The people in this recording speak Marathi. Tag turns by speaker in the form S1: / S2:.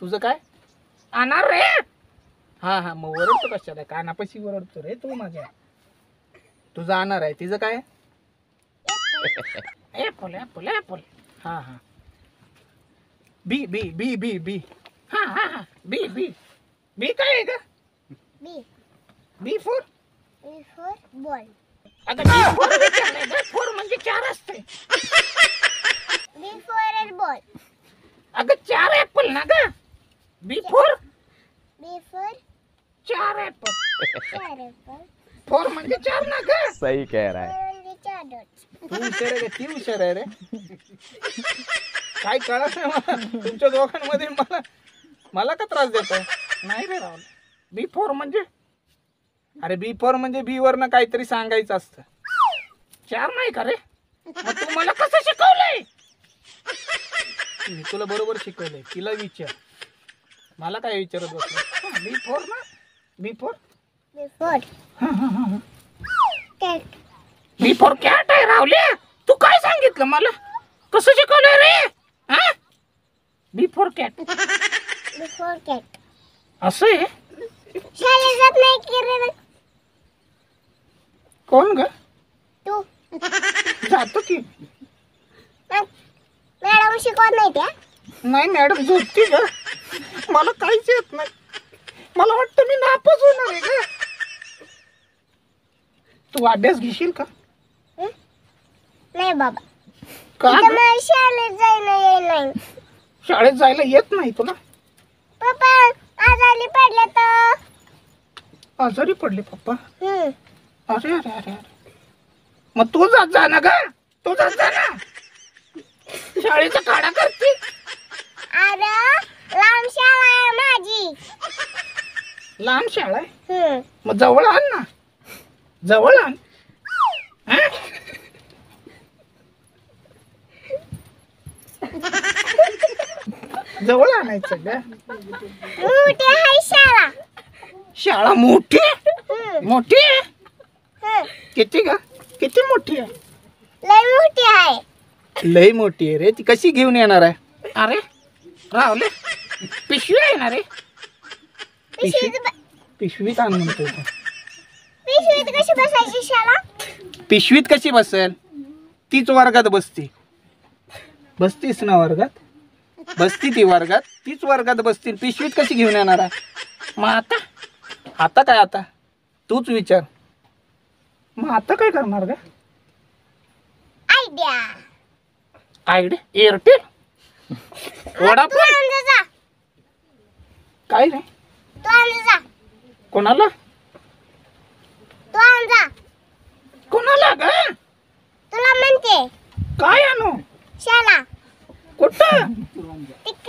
S1: तुझं काय
S2: अनार रे.
S1: हा हा मग ओरडतो कशाला कानापाशी ओरडतो रे तू माझ्या. तुझं अनार आहे तिचं काय
S2: ऍपल ऍपल ऍपल.
S1: हा हा बी बी बी बी बी
S2: हा हा हा बी बी बी काय आहे का?
S3: B
S2: B four.
S3: B for ball.
S2: अगं बी फोर विचारलंय का? फोर म्हणजे 4 असते.
S3: B for ball.
S2: अगं 4 ऍपल ना ग. B four
S3: B for
S2: 4 apple.
S3: 4 apple.
S2: Four म्हणजे 4 ना ग.
S4: सही कह रहा है.
S3: म्हणजे 4 डॉट्स.
S1: तू हुशार आहे का ती हुशार आहे रे काय कळत नाही मला तुमच्या दोघांमध्ये मला मला का त्रास देताय.
S2: नाही रे राहुल. बी फोर म्हणजे
S1: अरे बी फोर म्हणजे बी वरनं काहीतरी सांगायचं असतं.
S2: 4 नाही का रे? मग तू मला कसं शिकवलंय?
S1: मी तुला बरोबर शिकवलंय तिला विचार मला काय विचारत बसलं.
S2: बी फोर ना. B four.
S3: B for cat.
S2: B four cat आहे राहुल्या. तू काय सांगितलं मला? कसं शिकवलंय रे? हा? B four cat.
S3: B for cat.
S2: असं आहे.
S3: शाळेत जात नाही की रे
S2: कोण ग?
S3: तू.
S2: जातो की.
S3: मॅडम शिकवत नाही त्या.
S2: नाही मॅडम झोपती ग. मला काहीच येत नाही. मला वाटतं मी नापास होणार आहे ग. तू अभ्यास घेशील का?
S3: नाही बाबा.
S2: का
S3: इथं
S2: ग?
S3: मला शाळेत जायला येईल नाही.
S2: शाळेत जायला येत नाही तुला?
S3: पप्पा आजारी पडले तर.
S2: आजारी पडले पप्पा.
S3: हम्म.
S2: अरे अरे अरे अरे. मग तू जात जा ना ग. तू जात जा ना. शाळेचा काढा करते.
S3: अरे लांब शाळा आहे माझी.
S2: लहान शाळा आहे.
S3: हम्म.
S2: मग जवळ आण ना. जवळ आण. हा? जवळ आणायचं ग.
S3: मोठी आहे शाळा.
S2: शाळा मोठी आहे?
S3: हम्म.
S2: मोठी आहे?
S3: हम्म.
S2: किती ग? किती मोठी आहे?
S3: लय मोठी आहे.
S1: लई मोठी आहे रे ती कशी घेऊन येणार आहे.
S2: अरे राहुले पिशवी आहे ना रे?
S1: पिशवीत आण म्हणतोय तो.
S3: पिशवीत कशी बसायची शाळा?
S1: पिशवीत कशी बसेल तीच वर्गात बसती. बसतीस ना वर्गात बसती ती वर्गात तीच वर्गात बसती पिशवीत कशी घेऊन येणार आहे.
S2: मग आता
S1: आता काय आता तूच विचार.
S2: मग आता काय करणार ग?
S3: आयडिया.
S2: आयडिया एअरटेल
S3: तू
S2: वडाफोन
S3: आणजा जा.
S2: काय रे?
S3: तू आणजा जा.
S2: कोणाला?
S3: तू आणजा.
S2: कोणाला ग?
S3: तुला म्हणते
S2: काय आणू?
S3: शाळा.
S2: कुठं?
S3: ती